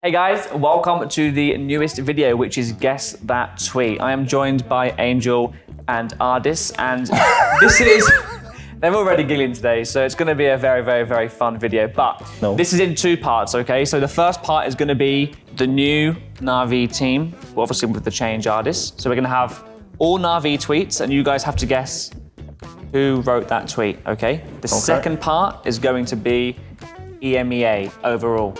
Hey guys, welcome to the newest video, which is Guess That Tweet. I am joined by Angel and Ardis, and this is... They're already giggling today, so it's going to be a very, very, very fun video. But This is in two parts, okay? So the first part is going to be the new Na'Vi team, well, obviously with the change Ardis. So we're going to have all Na'Vi tweets, and you guys have to guess who wrote that tweet, okay? The second part is going to be EMEA overall.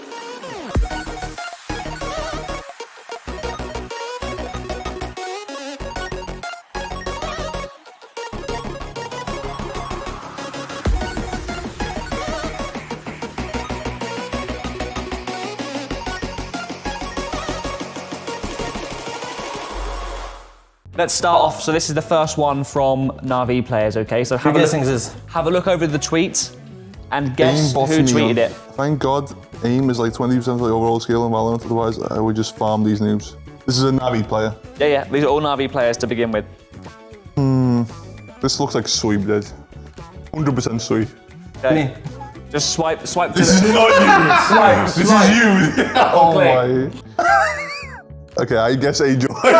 Let's start off. So this is the first one from Na'Vi players, okay? So have a look over the tweet and guess who tweeted it. Thank God aim is like 20% of the overall skill in Valorant, otherwise I would just farm these noobs. This is a Na'Vi player. Yeah, these are all Na'Vi players to begin with. This looks like Sui did. 100% Sui. Okay. Just swipe to This is not you! This is you! Oh my. Okay, I guess Angel. Right,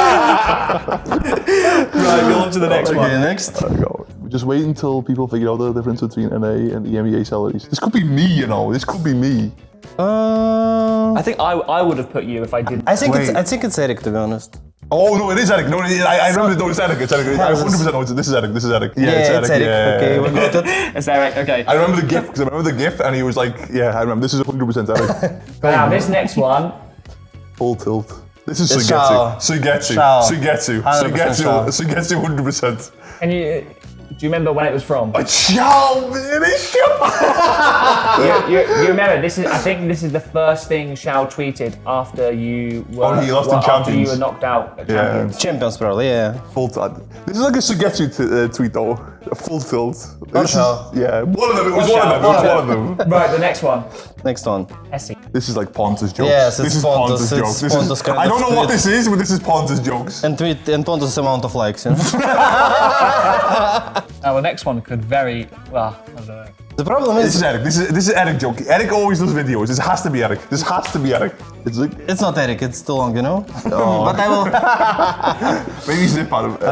go on to the next one. Okay, next. Go. Just wait until people figure out the difference between NA and EMEA salaries. This could be me, you know. This could be me. I think I would have put you if I didn't. I think it's Eric, to be honest. Oh no, it is Eric. No, I remember. No, it's Eric. It's Eric. I 100% know this is Eric. This is Eric. Yeah, it's Eric. Yeah. Okay, we got it. It's Eric. Okay. I remember the GIF because I remember the GIF, and he was like, "Yeah, I remember. This is 100% Eric." Now this next one. Full tilt. This is It's Sugetsu. Shao. Sugetsu. 100%. Can you? Do you remember when it was from? Shao, man, it's Shao. You remember this is? I think this is the first thing Shao tweeted after you were. he lost in after Champions. you were knocked out at Champions. Champions, probably, yeah. Full tilt. This is like a Sugetsu tweet though. A full tilt. Shao. Yeah, one of them. It was one of them. Right, the next one. Next one. Essie. This is like Pontus jokes. Yes, it's this is Pontus. jokes. It's This Pontus is, kind I don't of know what tweet. this is, but this is Pontus jokes. And Pontus' amount of likes, you know? Now the next one could very well. I don't know. The problem This is, is Eric. This is Eric joke. Eric always does videos. This has to be Eric. This has to be Eric. It's like it's not Eric, it's too long, you know? But I will... maybe zip out of.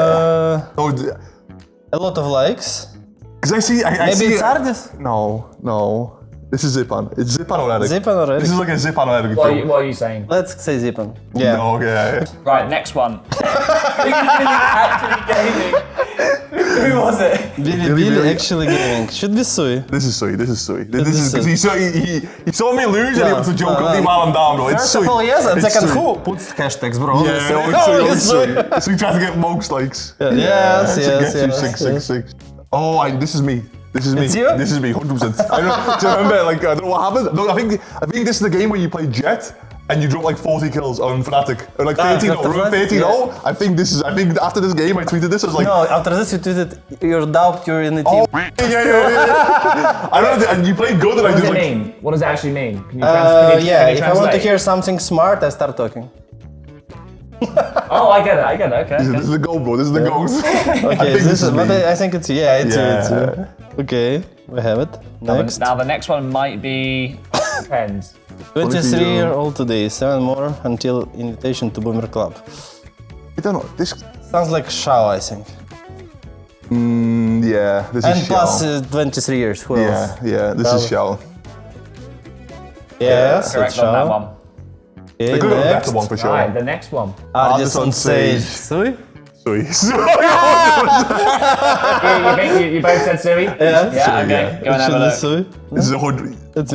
A lot of likes. Because I see. I Maybe see it's Ardis? No. This is Zipan. It's Zipan or Eric. Zipan or Eric? This is like a Zipan or Eric What joke. are you saying? Let's say Zipan. Yeah. No, okay. Right, next one. Actually gaming. Who was it? Billy actually gaming. Should be Sui. This is Sui. This is is because he saw me lose and he wants to joke on me while I'm down, bro. It's First Sui. of all, yes, and It's second, Sui. who puts hashtags, bro? Yeah, it's Sui. So he tries to get most likes. Yes. Six. Oh, this is me. This is me. It's you? This is me, 100%. I don't, do you remember? Like, I don't know what happened. No, I think this is the game where you play Jet and you drop like 40 kills on Fnatic, or like 13-0. Remember 13-0? Yeah. I think after this game I tweeted this. I was like, No, after this you tweeted, you're doubt you're in the team. oh, yeah. I remember, and you played good, and What I does just it like. mean? What does it actually mean? Can you Yeah, can you if I want to translate? hear something smart, I start talking. Oh, I get it. Okay. This is the goal, bro. This is the goal. Okay, this is, but me. I think it's yeah, it's Yeah. you. Okay, we have it. Next, Now the next one might be depends. 23 all today, 7 more until invitation to Boomer Club. I don't know. This. Sounds like Shao, I think. Yeah. This And is plus Xiao. 23 years. Who else? Yeah. This is Xiao. Yes, it's Correct on that Shao. one. Okay, I could have a next. better one for sure. Right, the next one. Ardis on Sage. Sage. Sui? Sui. You both said Sui? Yeah. Yeah, okay. Go and have a look. Sui? This is 100. It's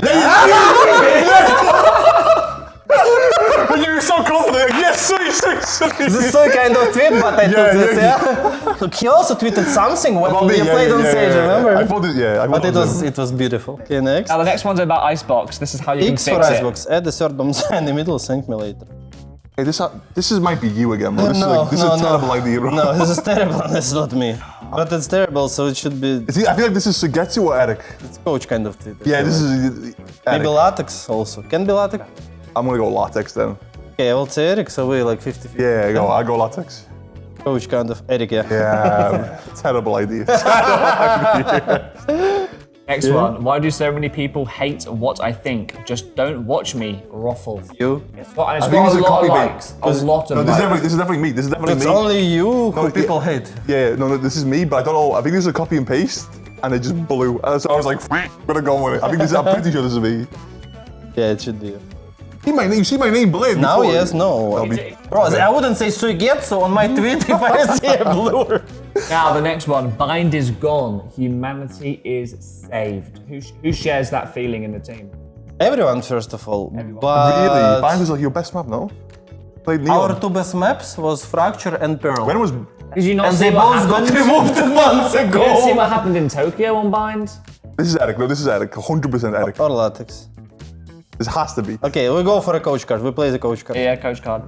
But you were so confident. Yes, Sui. This is Sui kind of tweet, but I took this, yeah. Look, he also tweeted something when we played on Sage, remember? I thought it, yeah. But it was beautiful. Okay, next. Now the next one's about Icebox. This is how you X can for fix it. Icebox. Add the third bomb in the middle, thank me later. Hey, this might be you again, bro. This is a terrible idea, bro. No, this is terrible, this is not me. But it's terrible, so it should be I feel like this is Sugetsu or Eric. it's coach kind of tweet. Yeah, this is Maybe Eric. Latex also. Can be Latex? I'm gonna go Latex then. Okay, I will say Eric, so we like 50-50. Yeah, I go Latex. Coach kind of Eric, yeah. Yeah, terrible idea. Next one. Why do so many people hate what I think? Just don't watch me, Ruffle. You. Well, and it's I think got this a is a lot of copy likes. A lot of No, likes. this is definitely me. This is definitely It's me. only you who No, people hate. Yeah, no, this is me, but I don't know. I think this is a copy and paste, and it just blew. So I was like, I'm gonna go with it. I think this. I'm pretty sure this is me. Yeah, it should be. You see my name, Blade. Now, before. yes, no. That'll be- Bro, I wouldn't say Suigetsu on my tweet if I see a blur. Now, the next one. Bind is gone. Humanity is saved. Who shares that feeling in the team? Everyone, first of all. Really? But Bind was like your best map, no? Played Neon. our two best maps was Fracture and Pearl. When was? Did you not and see they what both got happened? removed months You didn't see ago. what happened in Tokyo on Bind? This is Eric. No, this is Eric. 100% Eric. Or Latex. This has to be. Okay, we go for a coach card. We play the coach card. Yeah, coach card.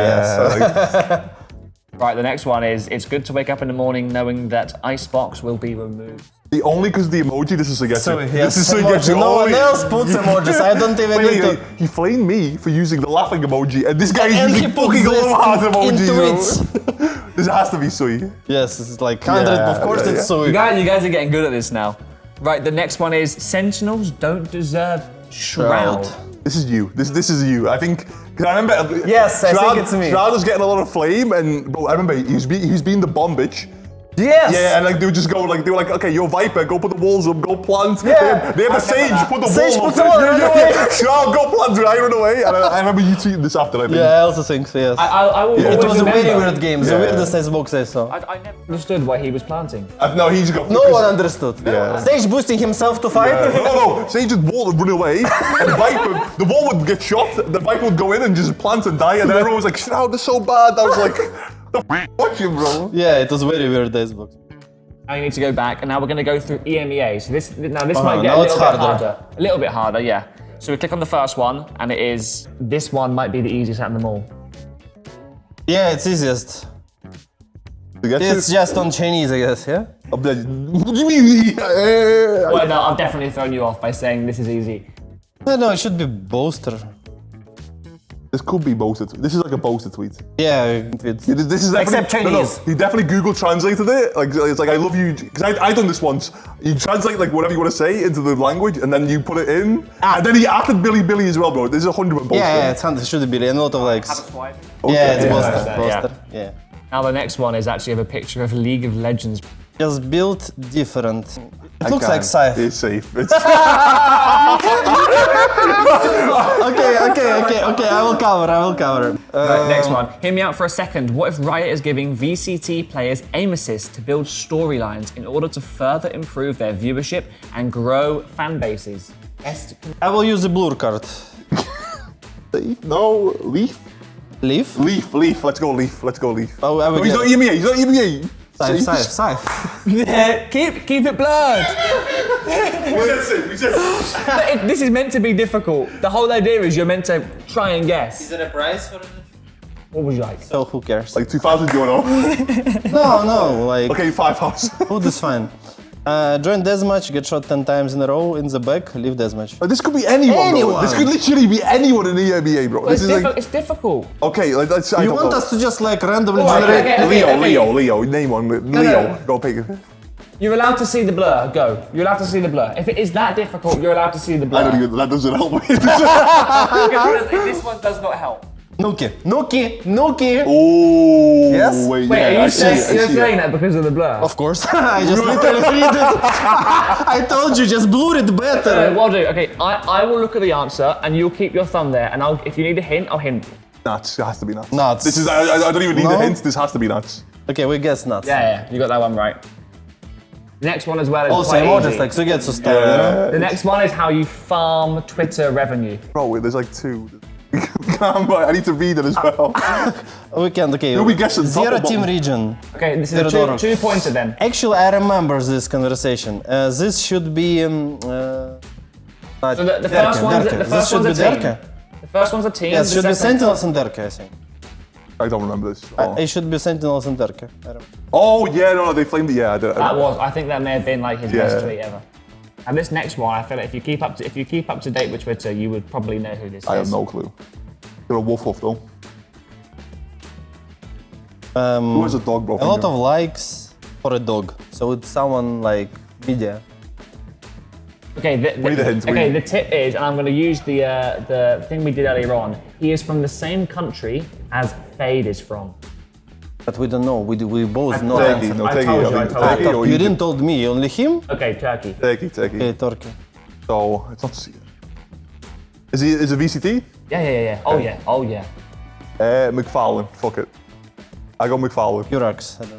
Yeah. Right, the next one is, it's good to wake up in the morning knowing that Icebox will be removed. The only because the emoji. This is Suigetsu. So This yes, is Suigetsu. emoji. No one Only- else puts emojis. I don't even Wait, need wait, to. he flamed me for using the laughing emoji, and this guy is And using he puts fucking this love heart emoji. in bro. tweets. This has to be Sui. Yes, it's like 100. Yeah, of course, yeah, it's yeah. Sui. You guys are getting good at this now. Right, the next one is, Sentinels don't deserve Shroud. This is you. This is you. I think. Cause I remember. Yes, I think it's me. Shroud was getting a lot of flame, and bro, I remember he's being the bomb bitch. Yes. Yeah, and like they would just go like they were like, okay, you're Viper, go put the walls up, go plant. Yeah. They had the Sage, put the Sage wall puts up. the wall, run away. Shroud, go plant, right, run away. And I remember you tweeting this after. I think. Yeah, I also think so, yes. I will It always was a remember. very weird game. The Yeah. weirdest Xbox I saw. I never understood why he was planting. No, he just got. No one understood. Yeah. Stage boosting himself to fight. No, Sage just wall would run away, and Viper, the wall would get shot, the Viper would go in and just plant and die, and then everyone was like, Shroud is so bad. I was like, the watch him, bro. Yeah, it was very weird Xbox. Now you need to go back, and now we're going to go through EMEA. So this might get now a it's little bit harder. harder. A little bit harder, yeah. So we click on the first one, and it is, this one might be the easiest out of them all. Yeah, it's easiest. You get It's just on Chinese, I guess, yeah? What do you mean? Well, no, I've definitely thrown you off by saying this is easy. No, it should be Boaster. This could be boasted. This is like a boasted tweet. Yeah, it's... This is Except definitely- Chinese. he definitely Google translated it. Like it's like I love you because I done this once. You translate like whatever you want to say into the language, and then you put it in, and then he added Billy as well, bro. This is 100% boasted. Yeah, it's 100, should be, and a lot of likes. Okay. Yeah, it's Yeah. Boaster. Yeah. Boaster, yeah. Now the next one is actually of a picture of League of Legends. Just built different. It looks Can't. like Scythe. It's safe. It's Okay, I will cover. Right, next one. Hear me out for a second. What if Riot is giving VCT players aim assist to build storylines in order to further improve their viewership and grow fan bases? I will use the blue card. safe. No, Leaf. Leaf? Leaf. Let's go Leaf. Oh, I will No, he's get not EMEA. He's not EMEA. Scythe. Keep it blurred. This is meant to be difficult. The whole idea is you're meant to try and guess. Is there a prize for it? What would you like? So who cares? Like 2,000 euro. No, like, Okay, 5,000. food is fine. Join deathmatch, get shot 10 times in a row in the back, leave deathmatch. This could be anyone, bro. Anyone. This could literally be anyone in the EMEA, bro. This is like It's difficult. okay. Like let's. I You don't want know. us to just like randomly Oh, generate? okay. Leo. Name one. Leo. Go pick it. You're allowed to see the blur. Go. You're allowed to see the blur. If it is that difficult, you're allowed to see the blur. I don't even. That doesn't help me. This one does not help. Nuki. Oh. Yes? Wait. Wait, yeah, are I you see it, I you're see it. saying that because of the blur? Of course. I just literally read it. I told you, just blur it better. What I'll do, okay, I will look at the answer and you'll keep your thumb there and if you need a hint, I'll hint. Nuts. It has to be nuts. Nuts. This is. I don't even need No? a hint. This has to be nuts. Okay, we guess nuts. Yeah, you got that one right. The next one as well is Also, quite emojis easy. like so get to start. You know? The next one is how you farm Twitter revenue. Bro, wait, there's like two. I need to read it as well. We can't. Okay. Who we guessing, top Zero or team bottom? region. Okay, this is a Theodorov. two-pointer then. Actually, I remember this conversation. This should be. So the first one's Derke. the This first should one's be a team. Derke. The first one's a team. Yes, the should be second- Sentinels and Derke, I think. I don't remember this. Oh, It should be Sentinels and Derke. I don't- oh yeah, no, they flamed it. Yeah, I did. I think that may have been like his best Yeah. tweet ever. And this next one, I feel like if you keep up to date with Twitter, you would probably know who this I is. have no clue. You're a wolf though. Who has a dog, bro? A lot of likes for a dog. So it's someone like media. Okay, We need a hint, okay, we- the tip is, and I'm going to use the thing we did earlier on. He is from the same country as Fade is from. But we don't know. We both know. Turkey, no, I Turkey. told you, I think told Turkey you. or You Egypt. didn't told me. Only him. Okay, Turkey. Turkey. Okay, Turkey. So it's not. Is it VCT? Yeah. Oh yeah. Oh yeah. McFarlane. Fuck it. I go McFarlane. Urax. I don't know.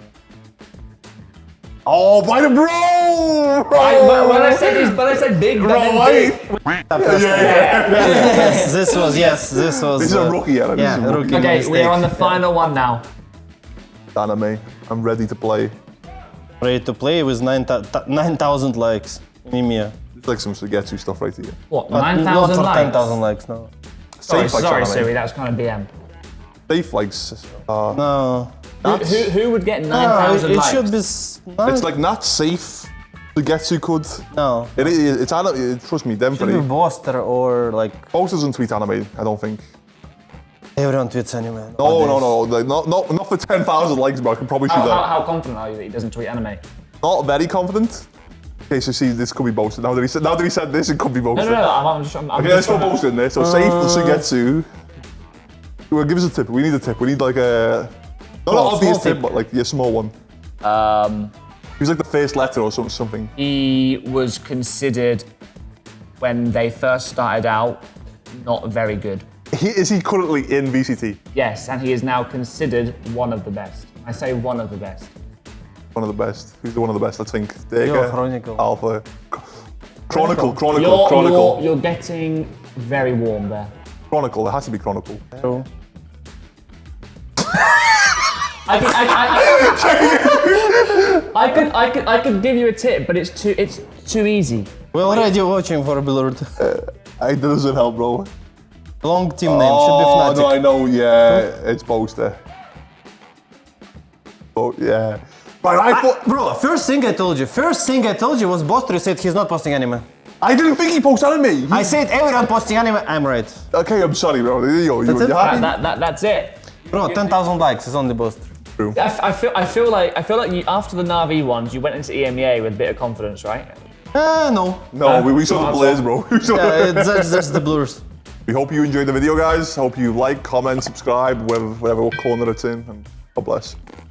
Oh, by the bro! When I said big, Bro, that meant wait. big. Yes, this was. This is a rookie, yeah. This Yeah, is a rookie. Okay, mistake. we're on the final one now. Anime. I'm ready to play. Ready to play with 9,000 likes. Mimia. It's like some Sugetsu stuff right here. What? But 9,000 not for likes. 10,000 likes. No. Sorry, Safe likes sorry, anime. Siri. That was kind of BM. Safe likes. No. Who would get No, 9,000 it likes? should be. It's like not safe. Sugetsu could. No. It's anime. Trust me, them Should be three. Boster or like Both doesn't tweet anime. I don't think. everyone tweets anime. No. Like, not for 10,000 likes, bro. I can probably see that. How confident are you that he doesn't tweet anime? Not very confident. Okay, so see, this could be boasted. Now that he said this, it could be No, boasted. I'm just. I'm Okay, just let's go trying to- boasted in there. So safe for Sugetsu. Well, give us a tip. We need a tip. We need like a not an Small obvious tip. tip, but like a small one. He was like the first letter or something. He was considered when they first started out not very good. Is he currently in VCT? Yes, and he is now considered one of the best. I say one of the best. One of the best. Who's the one of the best? Let's think. Yo, Deka, Chronicle. Alpha. Chronicle. You're getting very warm there. Chronicle. There has to be Chronicle. True. I could give you a tip, but it's too easy. We're already watching for Blurred. It doesn't help, bro. Long team name should be Oh, Fnatic. no, I know. Yeah, it's Boaster. Oh, yeah. Right, I thought. Bro, first thing I told you was Boster said he's not posting anime. I didn't think he posted anime. I said everyone posting anime, I'm right. Okay, I'm sorry, bro. You it? happy? That's it. Bro, 10,000 likes is only Boster. I feel like you, after the Na'Vi ones, you went into EMEA with a bit of confidence, right? No. No, we saw the Blaze, bro. We saw the- That's the Blurs. We hope you enjoyed the video, guys. Hope you like, comment, subscribe, whatever corner it's in, and God bless.